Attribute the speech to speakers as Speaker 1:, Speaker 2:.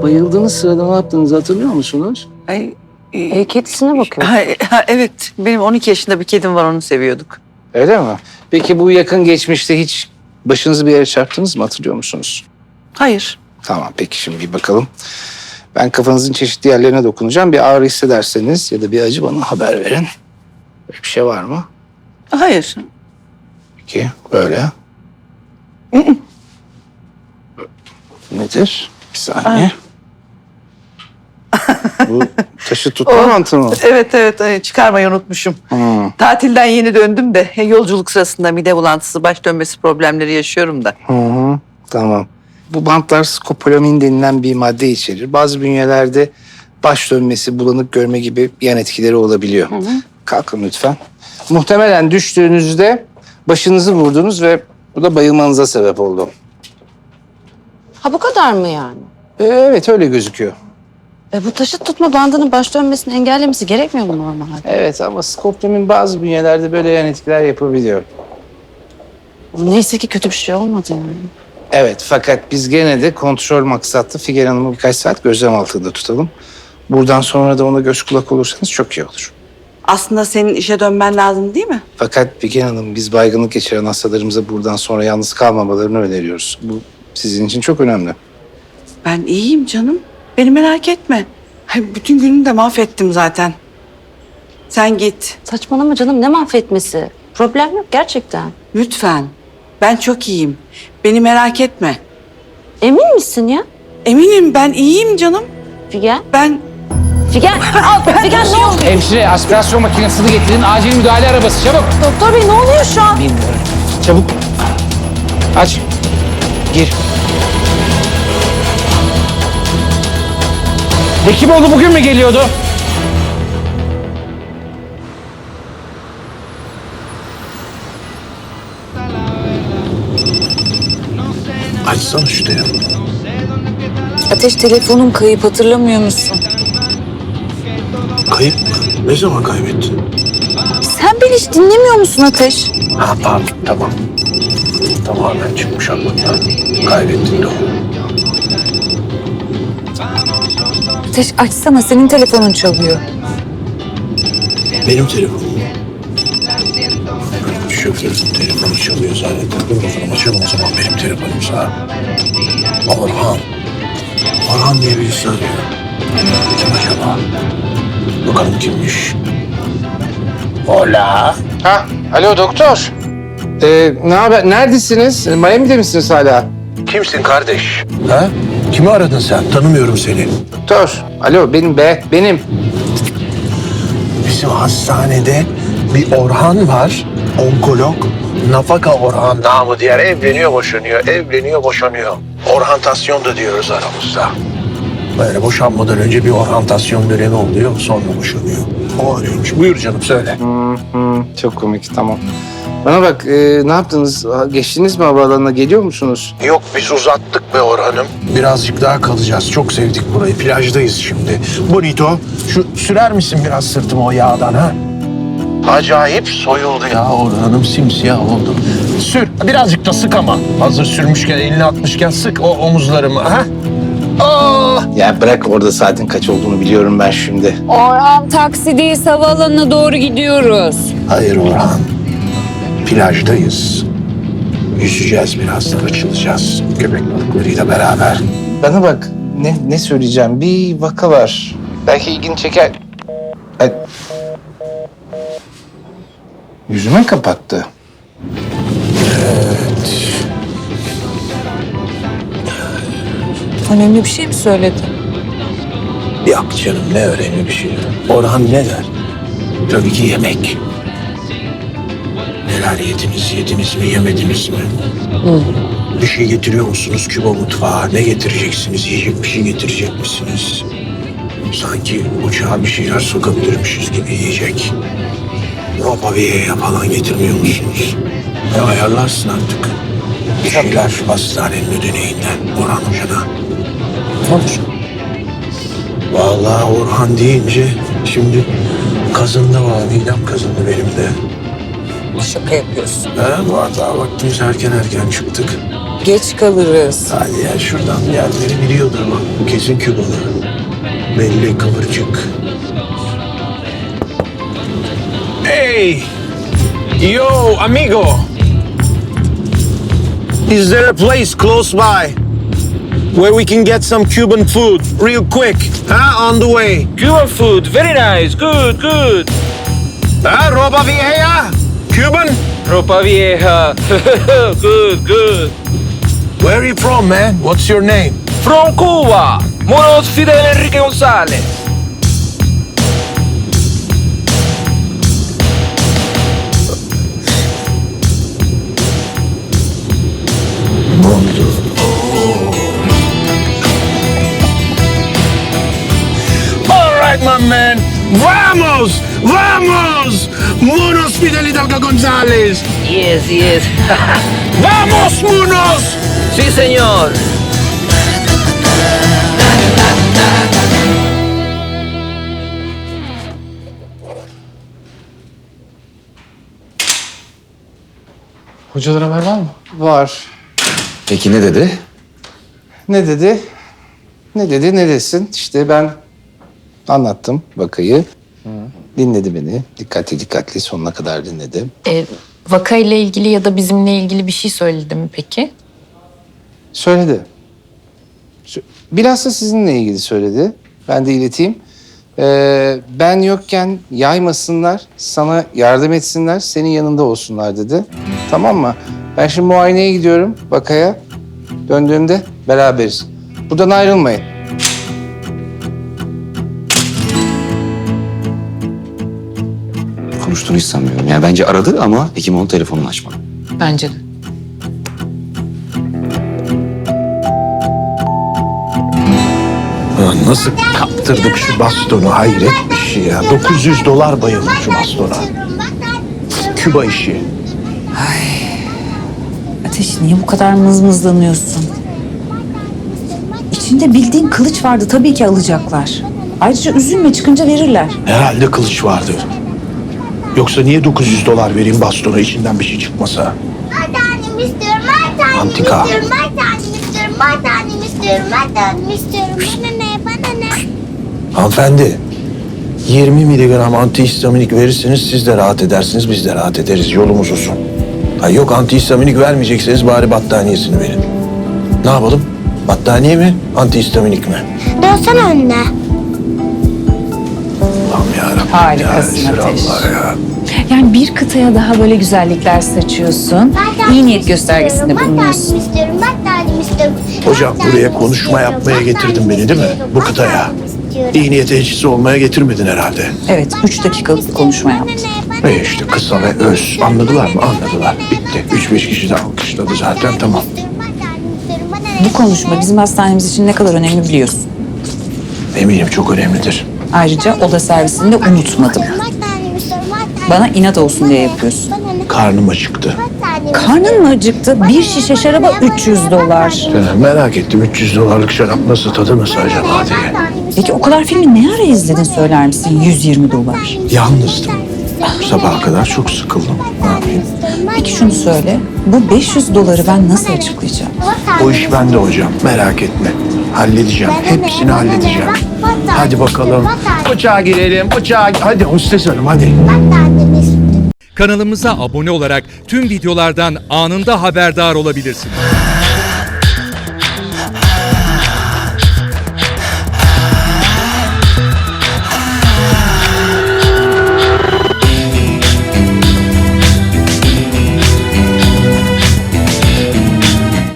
Speaker 1: bayıldığınız sırada ne yaptığınızı hatırlıyor musunuz?
Speaker 2: Kedisine bakıyor.
Speaker 3: Evet, benim 12 yaşında bir kedim var, onu seviyorduk.
Speaker 1: Öyle mi? Peki bu yakın geçmişte hiç başınızı bir yere çarptınız mı, hatırlıyor musunuz?
Speaker 3: Hayır.
Speaker 1: Tamam, peki şimdi bir bakalım. Ben kafanızın çeşitli yerlerine dokunacağım. Bir ağrı hissederseniz ya da bir acı bana haber verin. Böyle bir şey var mı?
Speaker 3: Hayır.
Speaker 1: Peki, böyle. Nedir? Bir saniye. Bu taşı tutma mantığı mı?
Speaker 3: Evet, çıkarmayı unutmuşum. Tatilden yeni döndüm de yolculuk sırasında mide bulantısı, baş dönmesi problemleri yaşıyorum da.
Speaker 1: Hı, tamam. Bu bantlar skopolamin denilen bir madde içerir. Bazı bünyelerde baş dönmesi, bulanık görme gibi yan etkileri olabiliyor. Kalkın lütfen. Muhtemelen düştüğünüzde başınızı vurdunuz ve bu da bayılmanıza sebep oldu.
Speaker 2: Ha, bu kadar mı yani?
Speaker 1: Evet, öyle gözüküyor.
Speaker 2: Bu taşıt tutma bandının baş dönmesini engellemesi gerekmiyor mu normalde?
Speaker 1: Evet, ama skopolamin bazı bünyelerde böyle yan etkiler yapabiliyor.
Speaker 2: Neyse ki kötü bir şey olmadı yani.
Speaker 1: Evet, fakat biz gene de kontrol maksatlı Figen Hanım'ı birkaç saat gözlem altında tutalım. Buradan sonra da ona göz kulak olursanız çok iyi olur.
Speaker 3: Aslında senin işe dönmen lazım değil mi?
Speaker 1: Fakat Figen Hanım, biz baygınlık geçiren hastalarımıza buradan sonra yalnız kalmamalarını öneriyoruz. Bu sizin için çok önemli.
Speaker 3: Ben iyiyim canım. Beni merak etme. Bütün günümü de mahvettim zaten. Sen git.
Speaker 2: Saçmalama canım, ne mahvetmesi? Problem yok gerçekten.
Speaker 3: Lütfen. Ben çok iyiyim. Beni merak etme.
Speaker 2: Emin misin ya?
Speaker 3: Eminim, ben iyiyim canım.
Speaker 2: Figen?
Speaker 3: Ben...
Speaker 2: Figen! Figen ne oldu?
Speaker 1: Hemşire, aspirasyon makinesini getirin. Acil müdahale arabası, çabuk.
Speaker 2: Doktor bey ne oluyor şu an?
Speaker 1: Bilmiyorum. Çabuk. Aç. Gir. Hekimoğlu bugün mü geliyordu?
Speaker 4: Açsana şu telefonu.
Speaker 5: Ateş, telefonun kayıp, hatırlamıyor musun?
Speaker 4: Kayıp mı? Ne zaman kaybettin?
Speaker 5: Sen beni hiç dinlemiyor musun Ateş?
Speaker 4: Ha pardon, tamam. Tamamen çıkmış aklımdan. Kaybettin de o.
Speaker 5: Ateş açsana, senin telefonun çalıyor.
Speaker 4: Benim telefonum mu? Şoförün telefonu çalıyor zannettim. Dur bakalım, açalım o zaman benim telefonumsa. Orhan. Orhan diye birisi arıyor. Kim acaba? Bakalım kimmiş? Hola.
Speaker 1: Ha, alo doktor. Ne haber? Neredesiniz? Miami'de misiniz hala?
Speaker 4: Kimsin kardeş? Ha? Kimi aradın sen? Tanımıyorum seni.
Speaker 1: Doktor. Alo, benim.
Speaker 4: Bizim hastanede bir Orhan var. Onkolog. Nafaka Orhan namı diğer evleniyor, boşanıyor. Evleniyor, boşanıyor. Orhantasyon da diyoruz aramızda. Böyle boşanmadan önce bir orhantasyon dönemi oluyor. Sonra boşanıyor. O arıyormuş. Buyur canım söyle.
Speaker 1: Çok komik, tamam. Bana bak, ne yaptınız? Geçtiniz mi havaalanına? Geliyor musunuz?
Speaker 4: Yok biz uzattık be Orhan'ım. Birazcık daha kalacağız. Çok sevdik burayı. Plajdayız şimdi. Bonito, şu sürer misin biraz sırtıma o yağdan ha? Acayip soyuldu ya Orhan'ım. Simsiyah oldu. Sür. Birazcık da sık ama. Hazır sürmüşken, elini atmışken sık o omuzlarımı ha? Oh!
Speaker 1: Ya bırak, orada saatin kaç olduğunu biliyorum ben şimdi.
Speaker 5: Orhan, taksideyiz, havaalanına doğru gidiyoruz.
Speaker 4: Hayır Orhan. Plajdayız. Yüzeceğiz birazdan, açılacağız. Köpek balıklarıyla beraber.
Speaker 1: Bana bak, ne söyleyeceğim? Bir vaka var. Belki ilgini çeker. Ay. Yüzüme kapattı.
Speaker 5: Önemli bir şey mi söyledi?
Speaker 4: Yok canım, ne önemli bir şey. Orhan ne der? Tabii ki yemek. Neler yediniz mi, yemediniz mi? Bir şey getiriyor musunuz Küba mutfağa? Ne getireceksiniz? Yiyecek bir şey getirecek misiniz? Sanki uçağa bir şeyler sokabilirmişiz gibi yiyecek. Ropaviye'ye falan getirmiyor musunuz? Ayarlarsın artık. Bir şeyler hastanenin ödeneğinden Orhan Hoca'na.
Speaker 5: Olur.
Speaker 4: Vallahi Orhan deyince şimdi kazındı var, midem kazındı benim de.
Speaker 5: Şaka yapıyorsun.
Speaker 4: Ha, var daha vaktimiz erken çıktık.
Speaker 5: geç kalırız.
Speaker 4: Hadi ya şuradan bir yerleri biliyordur bak. Bu kesin Kübalı. Belli kıvırcık. Hey! Yo, amigo! Is there a place close by where we can get some Cuban food real quick? Huh? On the way.
Speaker 6: Cuban food, very nice, good, good.
Speaker 4: Huh? Ropa Vieja? Cuban?
Speaker 6: Ropa vieja, good, good.
Speaker 4: Where are you from, man? What's your name?
Speaker 6: From Cuba, Monos Fidel Enrique González.
Speaker 4: All right, my man. Vamos! Vamos! Monos Fidel Hidalgo González.
Speaker 6: Yes, yes.
Speaker 4: Vamos, monos!
Speaker 6: Sí, señor.
Speaker 1: Hocadan haber var mı? Var.
Speaker 7: Peki ne dedi?
Speaker 1: Ne dedi? Ne dedi, ne desin? İşte ben anlattım vakayı. Dinledi beni. Dikkatli sonuna kadar dinledi.
Speaker 8: Vakayla ilgili ya da bizimle ilgili bir şey söyledi mi peki?
Speaker 1: Söyledi. Bilhassa sizinle ilgili söyledi. Ben de ileteyim. Ben yokken yaymasınlar, sana yardım etsinler, senin yanında olsunlar dedi. Tamam mı? Ben şimdi muayeneye gidiyorum vakaya. Döndüğümde beraberiz. Buradan ayrılmayın.
Speaker 7: Konuştuğunu hiç sanmıyorum. Yani bence aradı ama Hekimoğlu telefonunu açmadı.
Speaker 8: Bence de.
Speaker 4: Ulan nasıl kaptırdık şu bastonu, hayret bir şey ya. $900 bayıldı şu bastona. Küba işi.
Speaker 9: Ateş, niye bu kadar mızmızlanıyorsun? İçinde bildiğin kılıç vardı, tabii ki alacaklar. Ayrıca üzülme, çıkınca verirler.
Speaker 4: Herhalde kılıç vardır. Yoksa niye $900 vereyim bastona içinden bir şey çıkmasa?
Speaker 10: Anneannemi istiyorum, anneannemi
Speaker 4: Antika.
Speaker 10: istiyorum, anneannemi istiyorum, anneannemi istiyorum, anneannemi istiyorum. Bana ne?
Speaker 4: Hanımefendi, 20 miligram antihistaminik verirseniz siz de rahat edersiniz, biz de rahat ederiz. Yolumuz uzun. Ha yok, antihistaminik vermeyecekseniz bari battaniyesini verin. Ne yapalım? Battaniye mi, antihistaminik mi?
Speaker 10: Dönsene anne.
Speaker 4: Allah'ım yarabbim.
Speaker 9: Harikasın
Speaker 4: ya,
Speaker 9: Ateş.
Speaker 4: Resulallah ya.
Speaker 9: Yani bir kıtaya daha böyle güzellikler saçıyorsun. İyi niyet göstergesinde bulunuyorsun.
Speaker 10: Anneannemi istiyorum, anneannemi istiyorum.
Speaker 4: Hocam buraya konuşma yapmaya getirdin beni değil mi? Bu kıtaya. İyi niyet elçisi olmaya getirmedin herhalde.
Speaker 9: Evet, 3 dakikalık bir konuşma yaptım.
Speaker 4: Ve işte kısa ve öz. Anladılar mı? Anladılar. Bitti. 3-5 kişi de alkışladı zaten, tamam.
Speaker 9: Bu konuşma bizim hastanemiz için ne kadar önemli biliyorsun.
Speaker 4: Eminim çok önemlidir.
Speaker 9: Ayrıca oda servisini de unutmadım. Bana inat olsun diye yapıyorsun.
Speaker 4: Karnım acıktı.
Speaker 9: Karnın mı acıktı? Bir şişe şaraba $300.
Speaker 4: Merak ettim, $300'lık şarap nasıl, tadı nasıl acaba diye.
Speaker 9: Peki o kadar filmi ne ara izledin söyler misin? $120.
Speaker 4: Yalnızdım. Sabaha kadar çok sıkıldım. Ne yapayım?
Speaker 9: Peki şunu söyle. Bu $500 ben nasıl açıklayacağım?
Speaker 4: O iş bende hocam. Merak etme. Halledeceğim. Hepsini halledeceğim. Hadi bakalım. Uçağa girelim. Uçağa. Hadi hostes hanım hadi.
Speaker 11: Kanalımıza abone olarak tüm videolardan anında haberdar olabilirsiniz.